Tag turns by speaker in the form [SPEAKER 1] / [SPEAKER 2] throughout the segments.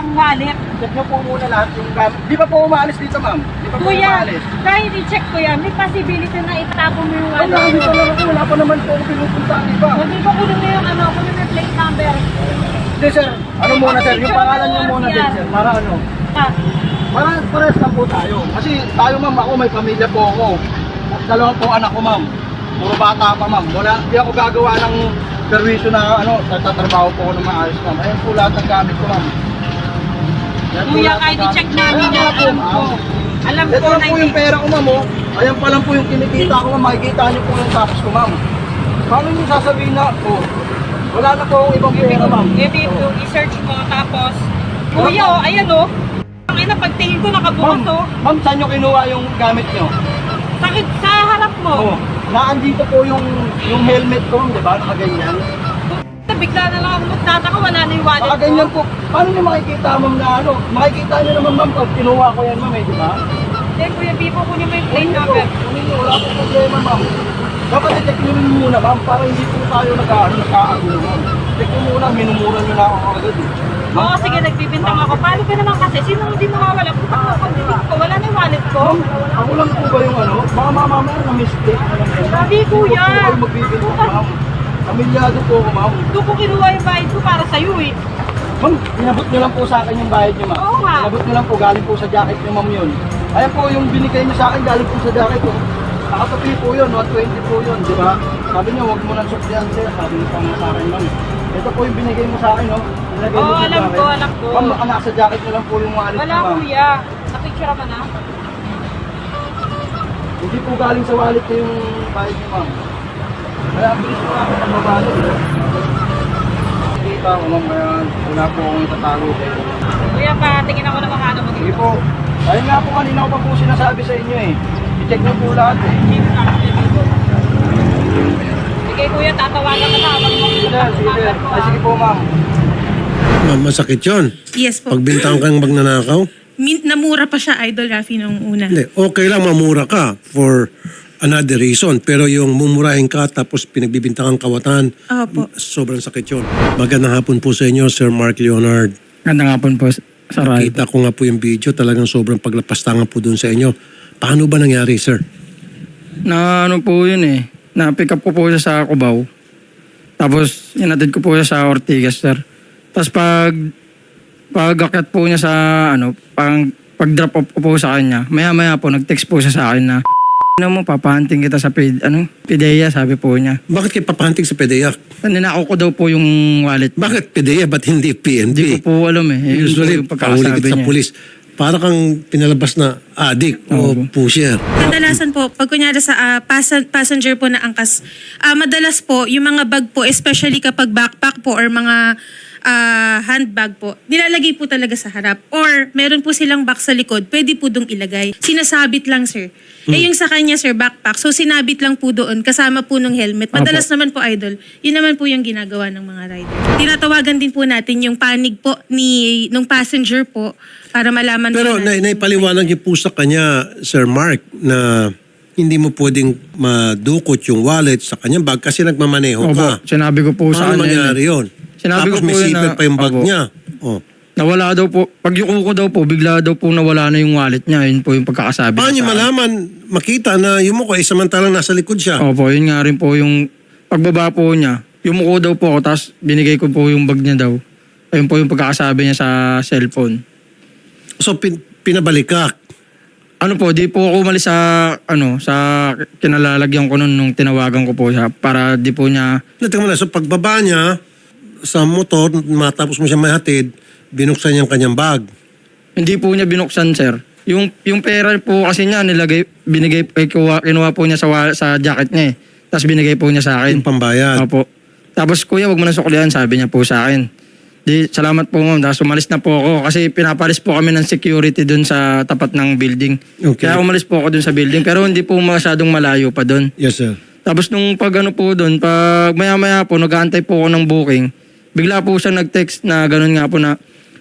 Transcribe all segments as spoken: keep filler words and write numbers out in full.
[SPEAKER 1] ang wallet.
[SPEAKER 2] Check nyo po muna lahat yung gamit. Di pa po umaalis dito, ma'am? Di pa po
[SPEAKER 1] Kuya,
[SPEAKER 2] umaalis?
[SPEAKER 1] dahil i-check ko yan, may possibility na itapon mo yung
[SPEAKER 2] Wala,
[SPEAKER 1] wallet.
[SPEAKER 2] hindi pa lang ako. Wala pa naman po ako pinupunta, di ba?
[SPEAKER 1] Hindi ko kunin mo yung ano, kunin mo yung plate number.
[SPEAKER 2] Hindi, sir. Ano muna, sir? Yung pangalan nyo muna din, sir. Para ano?
[SPEAKER 1] Ah,
[SPEAKER 2] Para pares lang po tayo. Kasi tayo, ma'am, ako may pamilya po ako. Dalawang po anak ko, ma'am. Puro bata pa, ma'am. Wala, hindi ako gagawa ng perwisyo na ano, tatrabaho po ako ng maayos, ma'am. Ayan po lahat ng gamit ko, ma'am. Ayan po
[SPEAKER 1] kuya,
[SPEAKER 2] lahat ng
[SPEAKER 1] kahit
[SPEAKER 2] gamit
[SPEAKER 1] i-check
[SPEAKER 2] ko.
[SPEAKER 1] namin
[SPEAKER 2] Ayan
[SPEAKER 1] yan,
[SPEAKER 2] nga po,
[SPEAKER 1] alam ko.
[SPEAKER 2] ma'am.
[SPEAKER 1] Alam
[SPEAKER 2] Ito
[SPEAKER 1] ko
[SPEAKER 2] lang
[SPEAKER 1] na
[SPEAKER 2] po yung pera ko, ma'am, oh. Ayan pa lang po yung kinikita ko, ma'am. Makikita niyo po yung tapos ko, ma'am. Paano niyo sasabihin na, oh, wala na po akong ibang pera, ma'am.
[SPEAKER 1] Ibig ko, i-search mo, tapos, kuya, oh, ayan oh. Ang ina, pagtingin ko nakabukas
[SPEAKER 2] Ma'am,
[SPEAKER 1] oh.
[SPEAKER 2] ma'am, saan niyo kinuha yung gamit niyo?
[SPEAKER 1] Sakit sa harap mo.
[SPEAKER 2] Oh, naandito po yung yung helmet ko, di ba? Nakaganyan.
[SPEAKER 1] Bigla na lang ako magtataka, wala na yung wallet
[SPEAKER 2] Nakaganyan
[SPEAKER 1] ko.
[SPEAKER 2] po. Paano niyo makikita, ma'am, na ano? Makikita niyo naman, ma'am, pag kinuha ko yan, ma'am, eh, di ba?
[SPEAKER 1] Hindi, kuya, Bibo, kunin mo yung plate
[SPEAKER 2] Kunin niyo po.
[SPEAKER 1] number.
[SPEAKER 2] Kunin niyo, wala po problema, ma'am. Dapat i-check niyo rin muna, ma'am, para hindi po tayo nag-aano, nagkaagulo, ma'am. Check niyo muna, minumura niyo na ako agad, eh.
[SPEAKER 1] Oo, sige, nagbibintang ako. Paano ka naman kasi? Sino hindi mawawala? Puta ko, pagdidig ko, wala na yung wallet ko.
[SPEAKER 2] Ma'am, ako lang po ba yung ano? Baka mamamaya na mistake na lang yan.
[SPEAKER 1] Sabi, kuya.
[SPEAKER 2] Huwag po kayo magbibintang, ma'am. Pamilyado po ako, ma'am.
[SPEAKER 1] Doon ko kinuha yung bayad ko para sa'yo eh.
[SPEAKER 2] Ma'am, inabot niyo lang po sa akin yung bayad niyo, ma'am.
[SPEAKER 1] Oo nga.
[SPEAKER 2] Inabot niyo lang po, galing po sa jacket niyo, ma'am, yun. Ayan po, yung binigay niyo sa akin, galing po sa jacket ko. Nakatapi po yun, one twenty po yun, di ba? Sabi niyo, huwag mo nang suklihan, sir. Sabi niyo pa nga sa akin, ma'am. Ito po yung binigay mo sa akin, no? Nilagay
[SPEAKER 1] Oo,
[SPEAKER 2] niyo sa
[SPEAKER 1] alam
[SPEAKER 2] jacket.
[SPEAKER 1] ko, alam ko.
[SPEAKER 2] Ma'am, baka nasa jacket niyo lang po yung wallet
[SPEAKER 1] Wala,
[SPEAKER 2] niyo, ma'am.
[SPEAKER 1] kuya. Napicture ka na?
[SPEAKER 2] Hindi po galing sa wallet ko yung bayad niyo, ma'am. Kaya ang bilis po namin ang mabalot. Kita ko, ma'am, kaya wala po akong itatago kayo.
[SPEAKER 1] Kuya, pa, tingin ako ng mga ano mo
[SPEAKER 2] Sige
[SPEAKER 1] dito.
[SPEAKER 2] po. Ayun nga po kanina ko pa po sinasabi sa inyo eh. I-check niyo po lahat eh.
[SPEAKER 1] Dito na ako, dito. Sige, kuya, tatawagan ka na. Wag mo.
[SPEAKER 2] Sige, sige. Ay, sige po, ma'am.
[SPEAKER 3] Ma'am, masakit yun.
[SPEAKER 4] Yes po.
[SPEAKER 3] Pagbintang kang magnanakaw.
[SPEAKER 4] Min- namura pa siya, Idol Rafi, nung una.
[SPEAKER 3] Hindi, okay lang mamura ka for another reason. Pero yung mumurahin ka tapos pinagbibintangan kawatan,
[SPEAKER 4] Opo.
[SPEAKER 3] sobrang sakit yun. Magandang hapon po sa inyo, Sir Mark Leonard.
[SPEAKER 5] Ganda nga po po sa radyo.
[SPEAKER 3] Kita ko nga po yung video, talagang sobrang paglapastangan po dun sa inyo. Paano ba nangyari, sir?
[SPEAKER 5] Na ano po yun eh. Na-pick up ko po siya sa Cubao. Tapos inatid ko po siya sa Ortigas, sir. Tapos pag pag akyat po niya sa ano, pang pag-drop off ko po sa kanya, maya-maya po nag-text po siya sa akin na ano mo, papahanting kita sa pid, ano, Pideya, sabi po niya.
[SPEAKER 3] Bakit kayo papahanting sa P D E A C?
[SPEAKER 5] Ninakaw ko daw po yung wallet.
[SPEAKER 3] Bakit P D E A? Ba't hindi P N
[SPEAKER 5] Hindi
[SPEAKER 3] P?
[SPEAKER 5] ko po alam eh. Yun po
[SPEAKER 3] Usually,
[SPEAKER 5] yung pagkakasabi
[SPEAKER 3] paulit sa
[SPEAKER 5] niya.
[SPEAKER 3] pulis. Para kang pinalabas na addict o
[SPEAKER 5] Oo.
[SPEAKER 3] pusher.
[SPEAKER 4] Kadalasan po, pag kunyari sa ah, pas- passenger po na angkas, ah, madalas po, yung mga bag po, especially kapag backpack po or mga ah, handbag po, nilalagay po talaga sa harap. Or meron po silang box sa likod, pwede po dong ilagay. Sinasabit lang, sir. Eh yung sa kanya, sir, backpack. So sinabit lang po doon, kasama po ng helmet. Madalas naman po, Idol, yun naman po yung ginagawa ng mga rider. Tinatawagan din po natin yung panig po ni nung passenger po para malaman
[SPEAKER 3] Pero
[SPEAKER 4] po
[SPEAKER 3] na,
[SPEAKER 4] natin.
[SPEAKER 3] naipaliwanag niyo po sa kanya, Sir Mark, na hindi mo pwedeng madukot yung wallet sa kanyang bag kasi nagmamaneho
[SPEAKER 5] Opo,
[SPEAKER 3] ka.
[SPEAKER 5] sinabi ko po sa
[SPEAKER 3] Paano
[SPEAKER 5] kanya. yun eh.
[SPEAKER 3] mangyari yun?
[SPEAKER 5] Sinabi
[SPEAKER 3] Tapos
[SPEAKER 5] ko
[SPEAKER 3] may
[SPEAKER 5] po yun
[SPEAKER 3] zipper
[SPEAKER 5] na-
[SPEAKER 3] pa yung bag
[SPEAKER 5] Opo.
[SPEAKER 3] niya. Oh.
[SPEAKER 5] Nawala daw po, pag yuko ko daw po, bigla daw po nawala na yung wallet niya. Yun po yung pagkakasabi.
[SPEAKER 3] Paano niyo
[SPEAKER 5] niya sa akin.
[SPEAKER 3] malaman, makita na yumuko ay samantalang nasa likod siya?
[SPEAKER 5] Opo, yun nga rin po yung pagbaba po niya. Yumuko daw po ako, tapos binigay ko po yung bag niya daw. Ayun po yung pagkakasabi niya sa cellphone.
[SPEAKER 3] So pin, pinabalik ka.
[SPEAKER 5] Ano po, di po ako umalis sa, ano, sa kinalalagyan ko nun nung tinawagan ko po siya para di po niya,
[SPEAKER 3] Natingnan mo na, so pagbaba niya sa motor, matapos mo siya mahatid, binuksan niya ang kanyang bag.
[SPEAKER 5] hindi po niya binuksan, sir. Yung, yung pera po kasi niya, nilagay, binigay, eh, kinuha, kinuha po niya sa, wa- sa jacket niya eh. Tapos binigay po niya sa akin.
[SPEAKER 3] Yung pambayad.
[SPEAKER 5] Opo. Tapos kuya, wag mo na suklihan, sabi niya po sa akin. Di, salamat po ma'am. Tapos umalis na po ako kasi pinapalis po kami ng security dun sa tapat ng building.
[SPEAKER 3] Okay.
[SPEAKER 5] Kaya umalis po ako dun sa building pero hindi po masyadong malayo pa dun.
[SPEAKER 3] Yes, sir.
[SPEAKER 5] Tapos nung pag ano po dun, pag maya-maya po, nag-aantay po ako ng booking, bigla po siya nag-text na ganun nga po na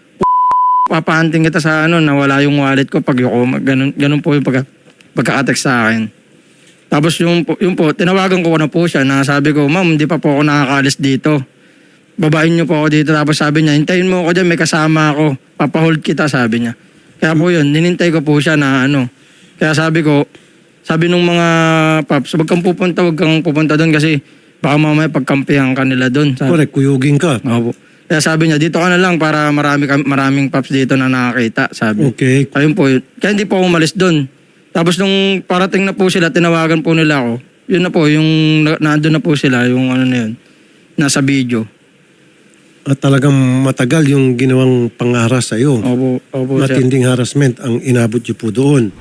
[SPEAKER 5] papahanting kita sa ano, nawala yung wallet ko pag yuko, ganun, ganun po yung pagka, pagkaka-text sa akin. Tapos yung, po- yung po, tinawagan ko na po siya na sabi ko, ma'am, hindi pa po ako nakakalis dito. Babain niyo po ako dito. Tapos sabi niya, hintayin mo ako dyan, may kasama ako. papahold kita, sabi niya. Kaya po yun, ninintay ko po siya na ano. Kaya sabi ko, sabi nung mga paps, wag kang pupunta, wag kang pupunta doon kasi baka mamaya pagkampihan ka nila doon. Sabi,
[SPEAKER 3] Correct, kuyugin ka.
[SPEAKER 5] Opo. Kaya sabi niya, dito ka na lang para marami, kam- maraming paps dito na nakakita, sabi.
[SPEAKER 3] Okay.
[SPEAKER 5] Ayun po yun. Kaya hindi po ako umalis doon. Tapos nung parating na po sila, tinawagan po nila ako. Yun na po, yung na- nandun na po sila, yung ano na yun, nasa video.
[SPEAKER 3] At talagang matagal yung ginawang pangaras sa iyo.
[SPEAKER 5] Opo, opo, sir.
[SPEAKER 3] Matinding harassment ang inabot niyo po doon.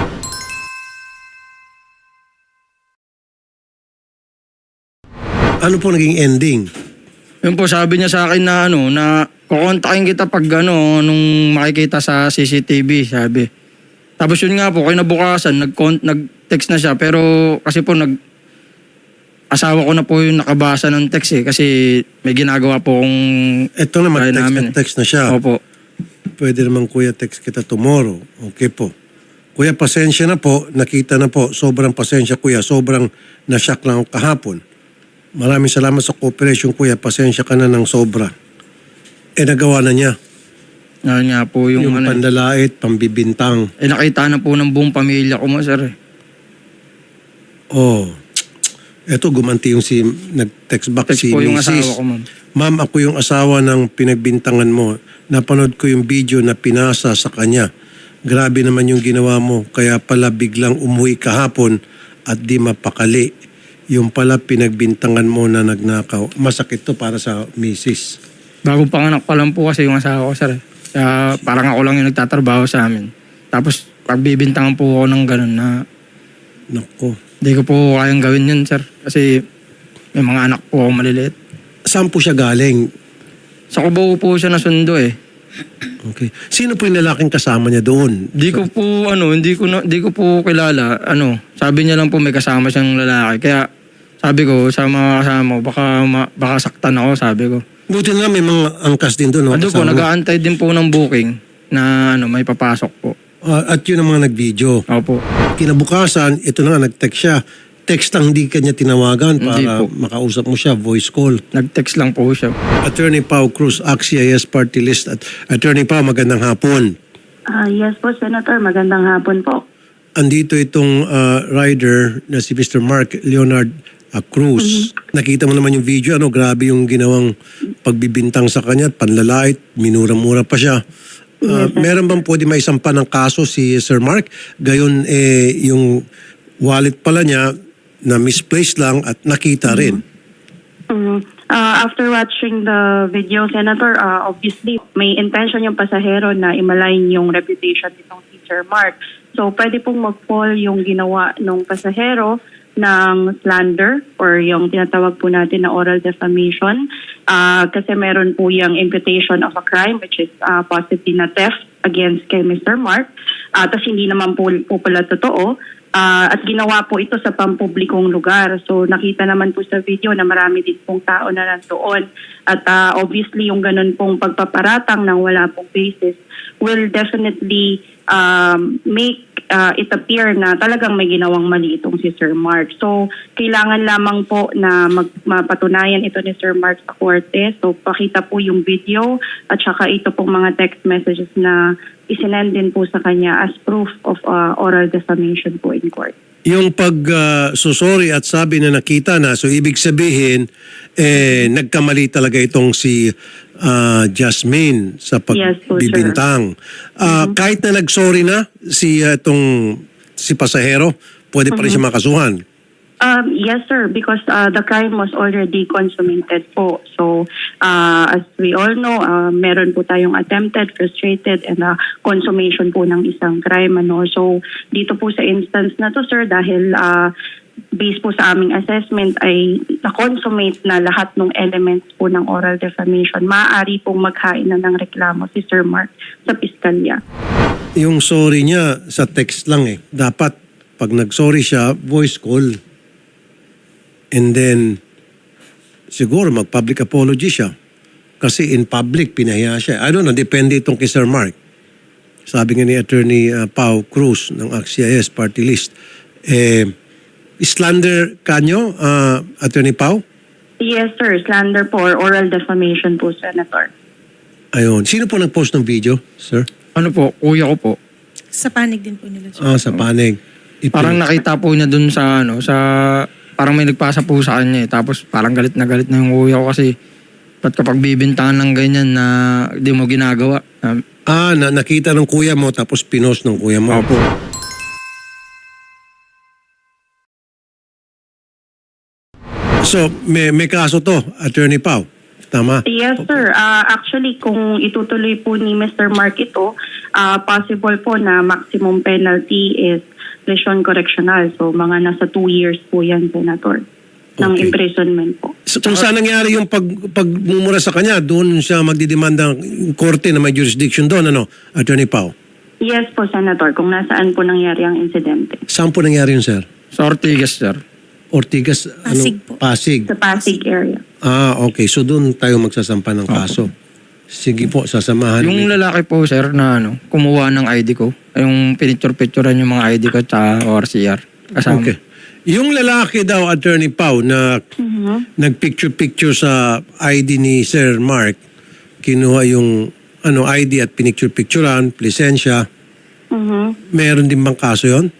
[SPEAKER 3] Ano po naging ending?
[SPEAKER 5] Yun po, sabi niya sa akin na ano, na kukontakin kita pag ano, nung makikita sa C C T V, sabi. Tapos yun nga po, kinabukasan, nag nag-text na siya, pero kasi po nag asawa ko na po yung nakabasa ng text eh, kasi may ginagawa po kong
[SPEAKER 3] Ito na,
[SPEAKER 5] Kaya
[SPEAKER 3] mag-text
[SPEAKER 5] namin
[SPEAKER 3] na
[SPEAKER 5] eh.
[SPEAKER 3] text na siya.
[SPEAKER 5] Opo.
[SPEAKER 3] Pwede naman kuya text kita tomorrow. Okay po. Kuya, pasensya na po. Nakita na po. Sobrang pasensya kuya. Sobrang nashock lang ako kahapon. Maraming salamat sa cooperation kuya. Pasensya ka na ng sobra. Eh nagawa na niya.
[SPEAKER 5] Yan nga po yung,
[SPEAKER 3] Yung,
[SPEAKER 5] ano.
[SPEAKER 3] pandalait, pambibintang.
[SPEAKER 5] Eh nakita na po ng buong pamilya ko mo, sir. Eh.
[SPEAKER 3] Oh. Eto, gumanti yung si nag-text back
[SPEAKER 5] Text
[SPEAKER 3] si
[SPEAKER 5] po yung
[SPEAKER 3] Missus
[SPEAKER 5] asawa ko, ma'am.
[SPEAKER 3] Ma'am, ako yung asawa ng pinagbintangan mo. Napanood ko yung video na pinasa sa kanya. Grabe naman yung ginawa mo. Kaya pala biglang umuwi kahapon at di mapakali. Yung pala pinagbintangan mo na nagnakaw. Masakit to para sa Missus
[SPEAKER 5] Bago panganak pa lang po kasi yung asawa ko, sir. Eh. Kaya parang ako lang yung nagtatrabaho sa amin. Tapos pagbibintangan po ako ng ganun na
[SPEAKER 3] Nako.
[SPEAKER 5] hindi ko po kayang gawin yun, sir. Kasi may mga anak po ako maliliit.
[SPEAKER 3] Saan po siya galing?
[SPEAKER 5] Sa Cubao po siya nasundo eh.
[SPEAKER 3] Okay. Sino po yung lalaking kasama niya doon?
[SPEAKER 5] Hindi ko po, ano, hindi ko, na, hindi ko po kilala. Ano, sabi niya lang po may kasama siyang lalaki. Kaya sabi ko sa mga kasama ko, baka, ma, baka saktan ako, sabi ko.
[SPEAKER 3] Buti na lang may mga angkas din doon. No?
[SPEAKER 5] Ano po,
[SPEAKER 3] Kasama mo.
[SPEAKER 5] nag-aantay din po ng booking na ano, may papasok po.
[SPEAKER 3] Ah, at yun ang mga nag-video.
[SPEAKER 5] Opo.
[SPEAKER 3] Kinabukasan, ito na nga, nag-text siya. Text lang, hindi kanya tinawagan
[SPEAKER 5] Hindi
[SPEAKER 3] para
[SPEAKER 5] po.
[SPEAKER 3] makausap mo siya, voice call.
[SPEAKER 5] Nag-text lang po siya.
[SPEAKER 3] Attorney Pao Cruz, A C I S Party List. At Attorney Pao, magandang hapon.
[SPEAKER 6] Ah, yes po, Senator. Magandang hapon po.
[SPEAKER 3] Andito itong ah, rider na si Mister Mark Leonard ah, Cruz. Nakita mo naman yung video, ano, grabe yung ginawang pagbibintang sa kanya, at panlalait, minura-mura pa siya. Ah, meron bang pwede may isampa ng kaso si Sir Mark? Gayon, eh, yung wallet pala niya na misplaced lang at nakita rin.
[SPEAKER 6] Mhm. Ah, after watching the video, Senator, ah, obviously may intention yung pasahero na imalain yung reputation nitong si Sir Mark. So pwede pong mag-fall yung ginawa ng pasahero ng slander or yung tinatawag po natin na oral defamation Ah, kasi meron po yung imputation of a crime which is ah, possibly na theft against kay Mister Mark. Uh, Tapos hindi naman po, po pala totoo. Ah, at ginawa po ito sa pampublikong lugar. So nakita naman po sa video na marami din pong tao na nandoon. At ah, obviously yung ganun pong pagpaparatang ng wala pong basis will definitely um, make uh, it appear na talagang may ginawang mali itong si Sir Mark. So kailangan lamang po na mag, mapatunayan ito ni Sir Mark sa korte. So pakita po yung video at saka ito pong mga text messages na isinend din po sa kanya as proof of uh, oral defamation po in court.
[SPEAKER 3] Yung pag ah, susori at sabi na nakita na, so ibig sabihin, eh, nagkamali talaga itong si ah, Jasmine sa
[SPEAKER 6] Yes po, sir.
[SPEAKER 3] pagbibintang. Ah, Kahit na nagsorry na si ah, itong si pasahero, pwede pa rin siya makasuhan.
[SPEAKER 6] Um, yes, sir, because uh, the crime was already consummated po. So, uh, as we all know, uh, meron po tayong attempted, frustrated, and uh, consummation po ng isang crime. Ano? So, dito po sa instance na to, sir, dahil uh, based po sa aming assessment ay na-consummate na lahat ng elements po ng oral defamation, maaari pong maghain na ng reklamo si Sir Mark sa piskalya.
[SPEAKER 3] Yung sorry niya sa text lang eh. Dapat pag nag-sorry siya, voice call. And then, siguro mag-public apology siya. Kasi in public, pinahiya siya. I don't know, depende itong kay Sir Mark. Sabi nga ni Attorney uh, Pao Cruz ng A C I S Party List. Eh, slander kanyo, uh, Attorney Pao?
[SPEAKER 6] Yes, sir. Slander po or oral defamation po, Senator.
[SPEAKER 3] Ayun. Sino po nag-post ng video, sir?
[SPEAKER 5] Ano po, kuya ko po.
[SPEAKER 4] Sa panig din po nila. sir.
[SPEAKER 3] Ah, sa panig. Ipin-
[SPEAKER 5] Parang nakita po niya dun sa ano, sa parang may nagpasa po sa kanya eh. Tapos parang galit na galit na yung kuya ko kasi ba't kapag bibintangan ng ganyan na di mo ginagawa. Um,
[SPEAKER 3] Ah, na, nakita ng kuya mo tapos pinost ng kuya mo.
[SPEAKER 5] Opo.
[SPEAKER 3] So, may, may kaso to, Attorney Pao. Tama?
[SPEAKER 6] Yes, sir. Ah, actually, kung itutuloy po ni Mister Mark ito, ah, possible po na maximum penalty is lesion correctional. So, mga nasa two years po yan, Senator, ng
[SPEAKER 3] Okay.
[SPEAKER 6] imprisonment po.
[SPEAKER 3] So, kung saan nangyari yung pag, pagmumura sa kanya, doon siya magdidemanda ng korte na may jurisdiction doon, ano, Attorney Pao?
[SPEAKER 6] Yes po, Senator, kung nasaan po nangyari ang insidente.
[SPEAKER 3] Saan po nangyari yun, sir?
[SPEAKER 5] Sa Ortigas, sir.
[SPEAKER 3] Ortigas,
[SPEAKER 4] Pasig
[SPEAKER 3] ano?
[SPEAKER 4] po.
[SPEAKER 3] Pasig.
[SPEAKER 6] Sa Pasig area.
[SPEAKER 3] Ah, okay. So, doon tayo magsasampa ng kaso. Sige po, sasamahan.
[SPEAKER 5] Yung
[SPEAKER 3] ni-
[SPEAKER 5] lalaki po, sir, na ano, kumuha ng I D ko. Yung pinicture-picturean yung mga I D ko sa O R C R. Kasama.
[SPEAKER 3] Okay. Yung lalaki daw, Attorney Pao, na nagpicture-picture sa I D ni Sir Mark, kinuha yung ano I D at pinicture-picturean, lisensya,
[SPEAKER 6] Mhm.
[SPEAKER 3] meron din bang kaso yon?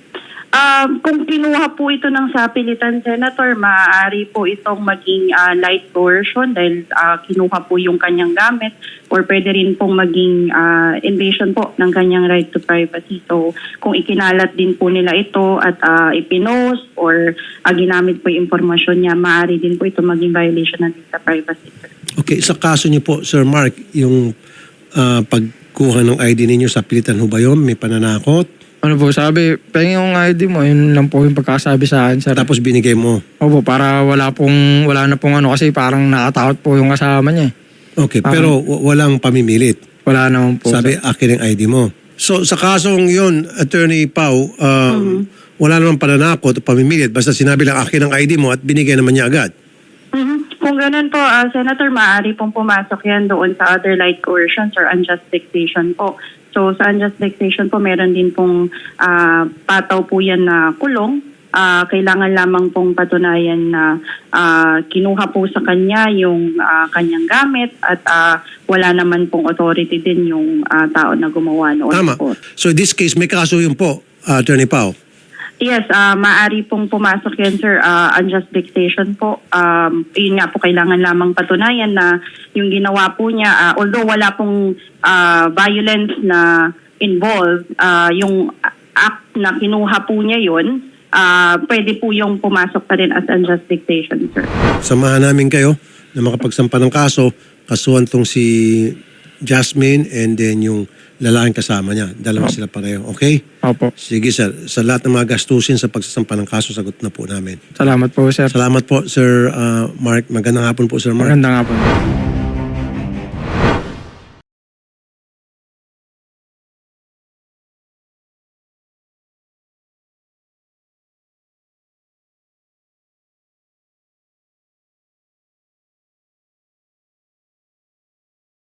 [SPEAKER 6] Ah, kung kinuha po ito ng sapilitan, Senator, maaari po itong maging ah, light coercion dahil ah, kinuha po yung kanyang gamit or pwede rin pong maging ah, invasion po ng kanyang right to privacy. So, kung ikinalat din po nila ito at ah, ipinost or ah, ginamit po yung impormasyon niya, maaari din po ito maging violation ng data privacy. Sir.
[SPEAKER 3] Okay, sa kaso niyo po, Sir Mark, yung ah, pagkuha ng I D ninyo sa pilitan ho ba yun? May pananakot?
[SPEAKER 5] Ano po, sabi, pengen yung I D mo, yun lang po yung pagkasabi sa akin, sir.
[SPEAKER 3] Tapos binigay mo.
[SPEAKER 5] Opo, para wala pong, wala na pong ano, kasi parang nakatakot po yung kasama niya eh.
[SPEAKER 3] Okay, pero w- walang pamimilit.
[SPEAKER 5] Wala naman po.
[SPEAKER 3] Sabi,
[SPEAKER 5] sir.
[SPEAKER 3] akin ang I D mo. So, sa kasong yun, Attorney Pao, um, wala namang pananakot o pamimilit. Basta sinabi lang, akin ang I D mo at binigay naman niya agad.
[SPEAKER 6] Mhm. Kung ganun po, ah, Senator, maaari pong pumasok yan doon sa other light coercions or unjust dictation po. So sa unjust dictation po, meron din pong ah, pataw po yan na kulong. Ah, kailangan lamang pong patunayan na ah, kinuha po sa kanya yung ah, kanyang gamit at ah, wala naman pong authority din yung ah, tao na gumawa noon
[SPEAKER 3] Tama.
[SPEAKER 6] po.
[SPEAKER 3] So, in this case, may kaso yun po, uh, Attorney Pao.
[SPEAKER 6] Yes, ah maaari pong pumasok yan, sir. Ah, unjust dictation po. Um, yun nga po, kailangan lamang patunayan na yung ginawa po niya, ah, although wala pong ah, violence na involved, ah, yung act na kinuha po niya yun, ah, pwede po yung pumasok pa rin as unjust dictation, sir.
[SPEAKER 3] Samahan namin kayo na makapagsampa ng kaso. Kasuhan tong si Jasmine and then yung lalaking kasama niya. Dalawa sila pareho. Okay?
[SPEAKER 5] Opo.
[SPEAKER 3] Sige, sir. Sa lahat ng mga gastusin sa pagsasampa ng kaso, sagot na po namin.
[SPEAKER 5] Salamat po, sir.
[SPEAKER 3] Salamat po, Sir uh, Mark. Magandang hapon po, Sir Mark.
[SPEAKER 5] Maganda nga po.